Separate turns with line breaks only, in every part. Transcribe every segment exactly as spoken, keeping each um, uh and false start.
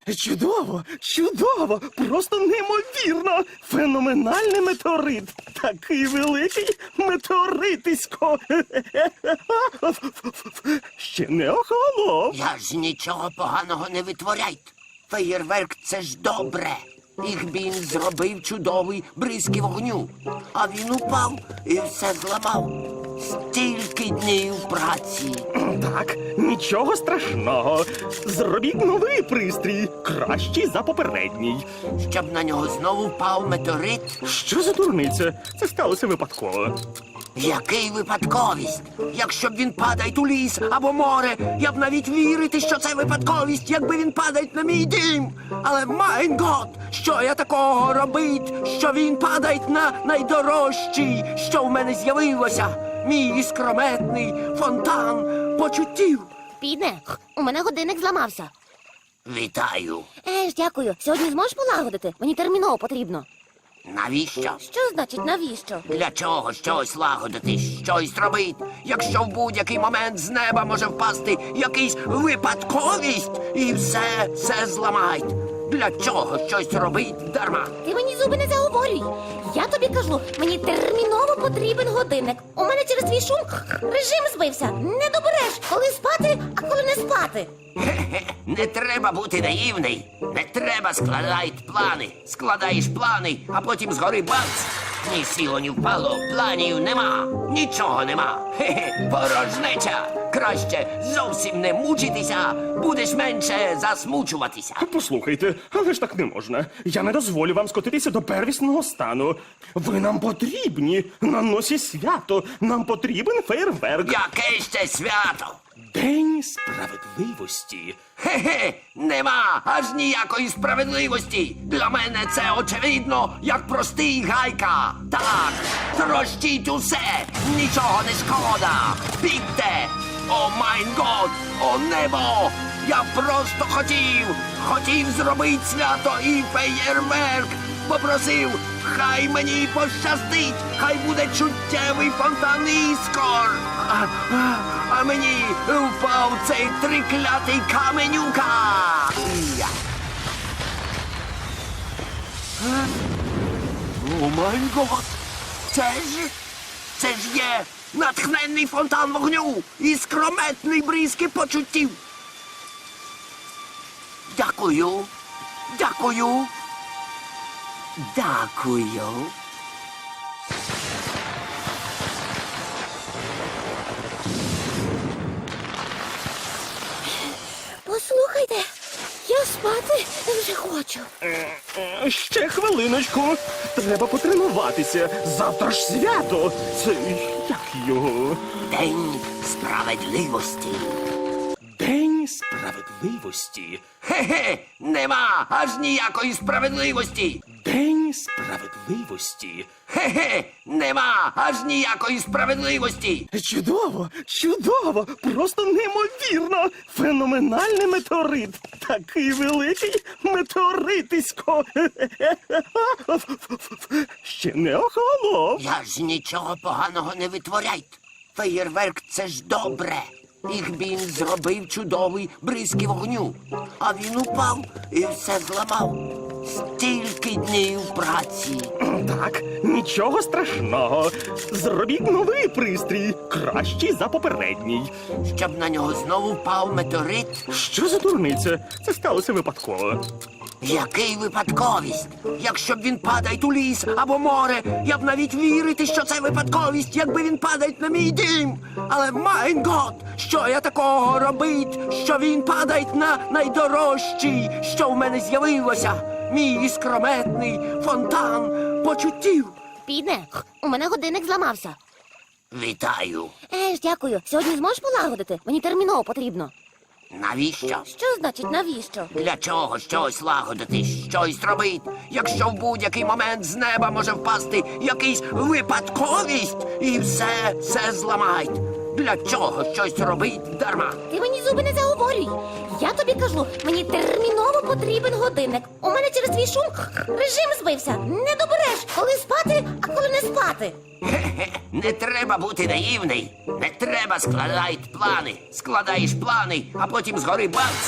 Чудово, чудово, просто неймовірно. Феноменальний метеорит. Такий великий метеоритисько. Ще не охолонув.
Я ж нічого поганого не витворяйте. Феєрверк – це ж добре. Їх він зробив чудовий бризки вогню. А він упав і все зламав. Стільки днів праці.
Так, нічого страшного. Зробіть новий пристрій, кращий за попередній.
Щоб на нього знову впав метеорит.
Що за дурниця? Це сталося випадково.
Який випадковість? Якщо б він падає у ліс або море, я б навіть вірити, що це випадковість, якби він падає на мій дім. Але, майн гот, що я такого робить, що він падає на найдорожчий, що в мене з'явилося? Мій іскрометний фонтан почуттів.
Піде, у мене годинник зламався.
Вітаю.
Еж, дякую. Сьогодні зможеш полагодити? Мені терміново потрібно.
Навіщо?
Що значить навіщо?
Для чого щось лагодити, щось робити, якщо в будь-який момент з неба може впасти якийсь випадковість і все, все зламають? Для чого щось робить дарма?
Ти мені зуби не заговорюй. Я тобі кажу, мені терміново потрібен годинник. У мене через твій шум режим збився. Не добереш, коли спати, а коли не спати.
Хе-хе, не треба бути наївний. Не треба складати плани. Складаєш плани, а потім згори бац. Ні сіло, ні впало, планів нема, нічого нема. Хе-хе, порожнеча. Краще зовсім не мучитися, будеш менше засмучуватися.
Послухайте, але ж так не можна. Я не дозволю вам скотитися до первісного стану. Ви нам потрібні. На носі свято. Нам потрібен фейерверк.
Яке ще свято?
День справедливості.
Хе-хе, нема аж ніякої справедливості. Для мене це очевидно, як простий гайка. Так, трощіть усе, нічого не шкода. Бігте! О майн год, о небо! Я просто хотів, хотів зробити свято і феєрверк. Попросив, хай мені пощастить, хай буде чуттєвий фонтан іскор. А, а, а мені впав цей триклятий каменюка. Я. Е? О май гот! Це ж, це ж є натхненний фонтан вогню і скрометний бризки почуттів. Дякую, дякую, дякую.
Послухайте, я спати вже хочу.
Е, Ще хвилиночку. Треба потренуватися. Завтра ж свято. Це як його?
День справедливості.
День справедливості.
Хе-хе, нема аж ніякої справедливості.
День справедливості.
Хе-хе, нема аж ніякої справедливості.
Чудово, чудово, просто неймовірно. Феноменальний метеорит. Такий великий метеоритисько. Ще не охолонув.
Я ж нічого поганого не витворяйте. Феєрверк – це ж добре. Їх він зробив чудовий бризки вогню. А він упав і все зламав. Стільки днів праці.
Так, нічого страшного. Зробіть новий пристрій, кращий за попередній.
Щоб на нього знову впав метеорит.
Що за дурниця? Це сталося випадково.
Який випадковість? Якщо б він падає у ліс або море, я б навіть вірити, що це випадковість, якби він падає на мій дім. Але, майн гот, що я такого робить, що він падає на найдорожчий, що в мене з'явилося? Мій іскрометний фонтан почуттів.
Піде, у мене годинник зламався.
Вітаю.
Еж, дякую. Сьогодні зможеш полагодити? Мені терміново потрібно.
Навіщо?
Що значить навіщо?
Для чого щось лагодити, щось робити, якщо в будь-який момент з неба може впасти якийсь випадковість і все, все зламають? Для чого щось робить дарма?
Ти мені зуби не заговорюй. Я тобі кажу, мені терміново потрібен годинник. У мене через твій шум режим збився. Не добереш, коли спати, а коли не спати.
Хе-хе, не треба бути наївний. Не треба складати плани. Складаєш плани, а потім згори бац.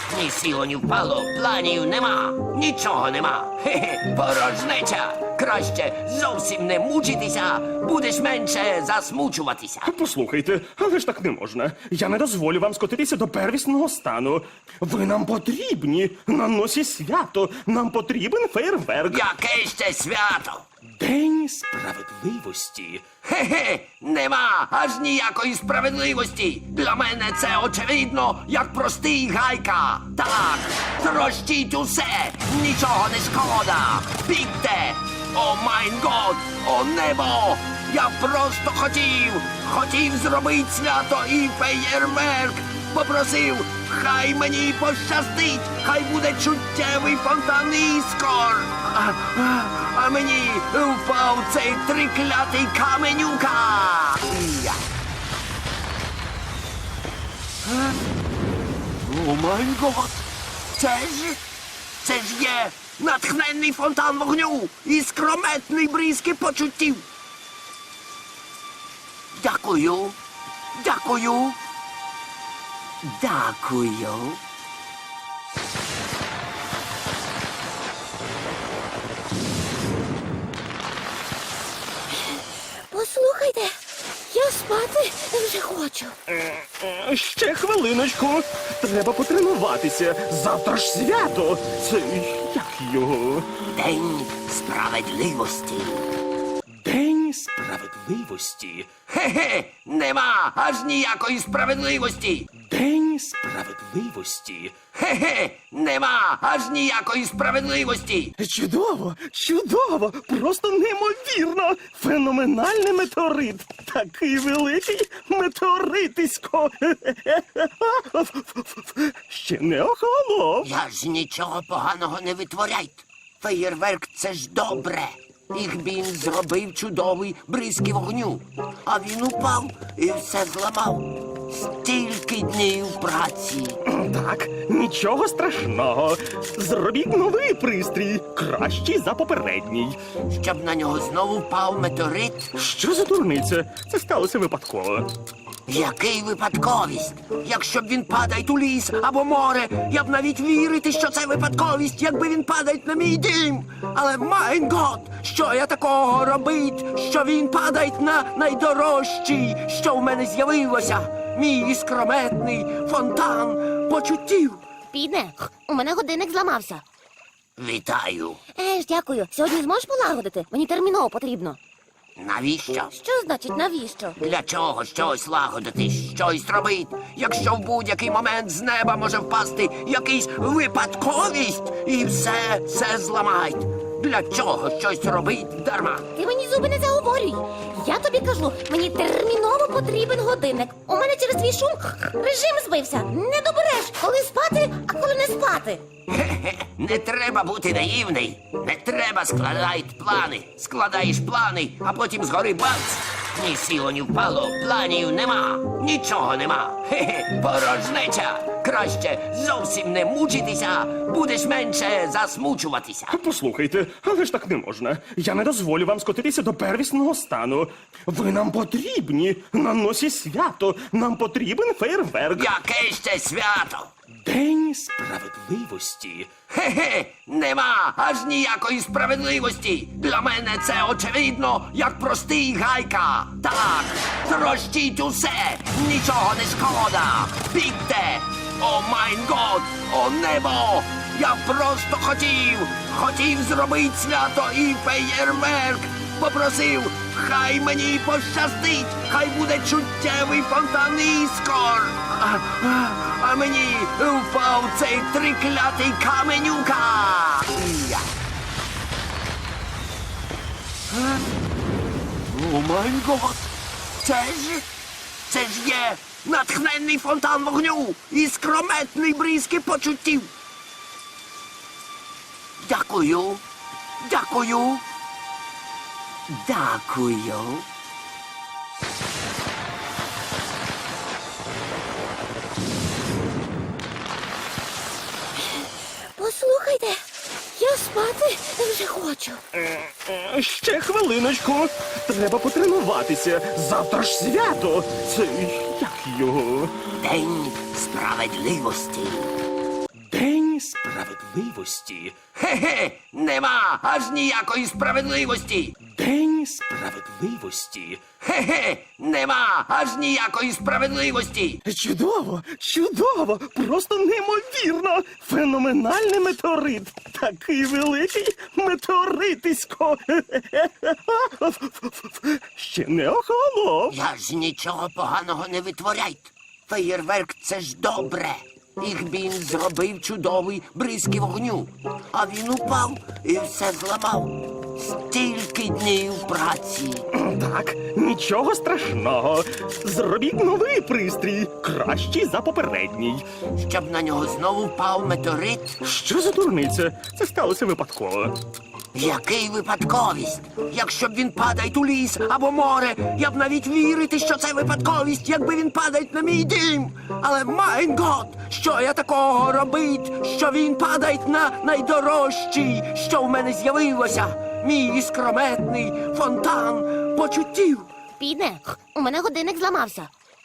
Ні сіло, ні впало, планів нема, нічого нема. Хе-хе, порожнеча. Краще зовсім не мучитися, будеш менше засмучуватися.
Послухайте, але ж так не можна. Я не дозволю вам скотитися до первісного стану. Ви нам потрібні на носі свято. Нам потрібен фейерверк.
Яке ще свято?
День справедливості.
Хе-хе, нема аж ніякої справедливості. Для мене це очевидно, як простий гайка. Так, трощіть усе, нічого не шкода. Бігте! О майн год, о небо! Я просто хотів, хотів зробити свято і феєрверк. Попросив, хай мені пощастить, хай буде чуттєвий фонтан іскор. А, а, а мені впав цей триклятий каменюка. Я. Е? О май гот! Це ж, це ж є натхненний фонтан вогню і скрометний бризки почуттів. Дякую, дякую. Дякую.
Послухайте, я спати вже хочу.
Е, Ще хвилиночку. Треба потренуватися. Завтра ж свято. Це як його?
День справедливості.
День справедливості.
Хе-хе, нема аж ніякої справедливості.
День справедливості.
Хе-хе, нема аж ніякої справедливості.
Чудово, чудово, просто неймовірно. Феноменальний метеорит. Такий великий метеоритисько. Ще не охолонув.
Я ж нічого поганого не витворяйте. Феєрверк — це ж добре. Їх він зробив чудовий бризки вогню. А він упав і все зламав. Стільки днів праці.
Так, нічого страшного. Зробіть новий пристрій, кращий за попередній.
Щоб на нього знову впав метеорит.
Що за дурниця? Це сталося випадково.
Який випадковість? Якщо б він падає у ліс або море, я б навіть вірити, що це випадковість, якби він падає на мій дім. Але майн гот, що я такого робить, що він падає на найдорожчий, що в мене з'явилося, мій іскрометний фонтан почуттів.
Піде, у мене годинник зламався.
Вітаю.
Еж, дякую. Сьогодні зможеш полагодити? Мені терміново потрібно.
Навіщо?
Що значить навіщо?
Для чого щось лагодити, щось робити, якщо в будь-який момент з неба може впасти якийсь випадковість і все, все зламають. Для чого щось робить дарма?
Ти мені зуби не заговорюй. Я тобі кажу, мені терміново потрібен годинник. У мене через твій шум режим збився. Не добереш, коли спати, а коли не спати.
Хе-хе, не треба бути наївний. Не треба складати плани. Складаєш плани, а потім згори бац. Ні сіло, ні впало, планів нема, нічого нема. Хе-хе, порожнеча. Краще зовсім не мучитися, будеш менше засмучуватися.
Послухайте, але ж так не можна. Я не дозволю вам скотитися до первісного стану. Ви нам потрібні на носі свято. Нам потрібен фейерверк.
Яке ще свято?
День справедливості.
Хе-хе, нема аж ніякої справедливості. Для мене це очевидно, як простий гайка. Так, трощіть усе, нічого не шкода. Бігте! О майн год, о небо! Я просто хотів, хотів зробити свято і феєрверк. Попросив, хай мені пощастить, хай буде чуттєвий фонтан іскор. А, а, а мені впав цей триклятий каменюка. Я. Е? О май гот! Це ж, це ж є натхненний фонтан вогню і скрометний бризки почуттів. Дякую, дякую. Дякую.
Послухайте, я спати вже хочу.
Е, е, Ще хвилиночку. Треба потренуватися. Завтра ж свято. Це як його?
День справедливості.
Справедливості.
Хе-хе, нема аж ніякої справедливості.
День справедливості.
Хе-хе, нема аж ніякої справедливості.
Чудово, чудово, просто неймовірно. Феноменальний метеорит. Такий великий метеоритисько. Ще не охолонув.
Я ж нічого поганого не витворяйте. Феєрверк — це ж добре. Їх він зробив чудовий бризки вогню. А він упав і все зламав. Стільки днів праці.
Так, нічого страшного. Зробіть новий пристрій, кращий за попередній.
Щоб на нього знову впав метеорит.
Що за дурниця? Це сталося випадково.
Який випадковість? Якщо б він падає у ліс або море, я б навіть вірити, що це випадковість, якби він падає на мій дім. Але майн гот, що я такого робить, що він падає на найдорожчий, що в мене з'явилося? Мій іскрометний фонтан почуттів.
Підне, у мене годинник зламався.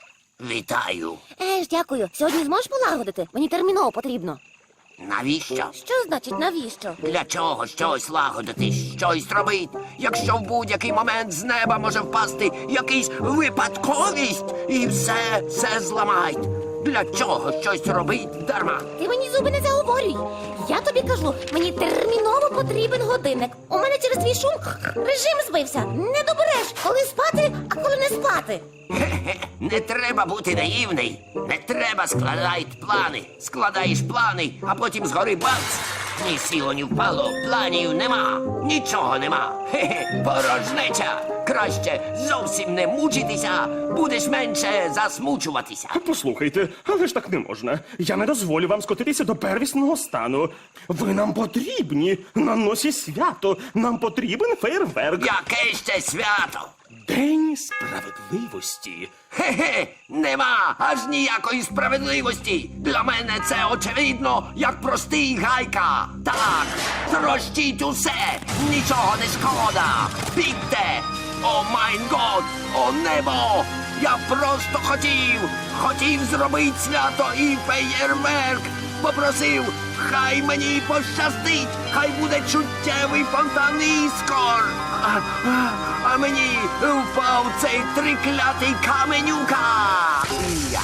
Вітаю.
Е ж, дякую. Сьогодні зможеш полагодити? Мені терміново потрібно.
Навіщо?
Що значить навіщо?
Для чого щось лагодити, щось робить, якщо в будь-який момент з неба може впасти якийсь випадковість і все, все зламають. Для чого щось робить дарма?
Ти мені зуби не заговорюй. Я тобі кажу, мені терміново потрібен годинник. У мене через твій шум режим збився. Не добереш, коли спати, а коли не спати.
Хе-хе, не треба бути наївний. Не треба складати плани. Складаєш плани, а потім згори бац. Ні сіло, ні впало, планів нема. Нічого нема. Хе-хе, порожнеча. Краще зовсім не мучитися, будеш менше засмучуватися.
Послухайте, але ж так не можна. Я не дозволю вам скотитися до первісного стану. Ви нам потрібні. На носі свято. Нам потрібен фейерверк.
Яке ще свято?
День справедливості.
Хе-хе, нема аж ніякої справедливості. Для мене це очевидно, як простий гайка. Так, трощіть усе, нічого не шкода. Бігте! О майн год, о небо! Я просто хотів, хотів зробити свято і феєрверк. Попросив, хай мені пощастить, хай буде чуттєвий фонтан іскор. А, а, а мені впав цей триклятий каменюка. Я.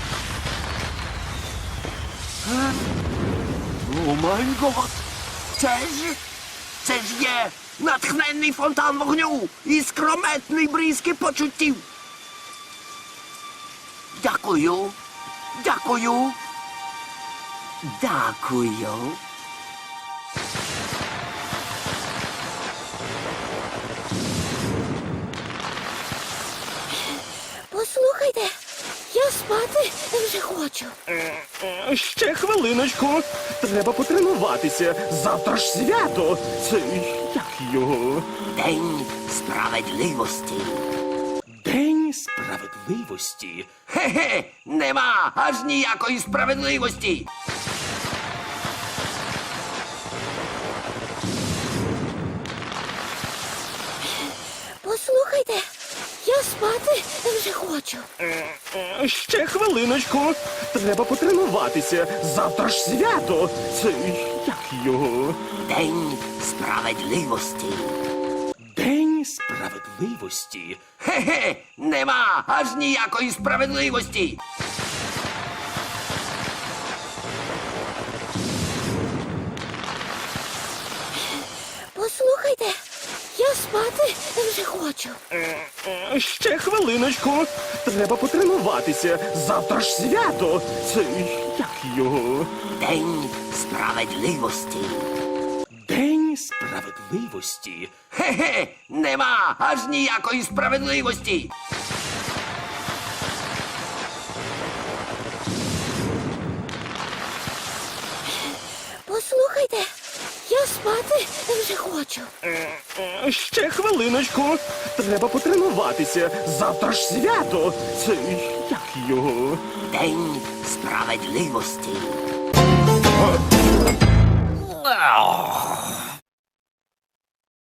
Е? О май гот! Це ж, це ж є натхненний фонтан вогню і скрометний бризки почуттів. Дякую, дякую, дякую.
Послухайте, я спати вже хочу.
Е, Ще хвилиночку. Треба потренуватися. Завтра ж свято. Це як його?
День справедливості.
День справедливості.
Хе-хе, нема аж ніякої справедливості.
Послухайте, я спати вже хочу.
Е, Ще хвилиночку. Треба потренуватися. Завтра ж свято. Це як його?
День справедливості.
День справедливості.
Хе-хе, нема аж ніякої справедливості.
Послухайте, я спати вже хочу.
Е, Ще хвилиночку. Треба потренуватися. Завтра ж свято. Це як його?
День справедливості.
День справедливості.
Хе-хе, нема аж ніякої справедливості.
Послухайте, я спати вже хочу.
Е, Ще хвилиночку. Треба потренуватися. Завтра ж свято. Це як його?
День справедливості.
Е,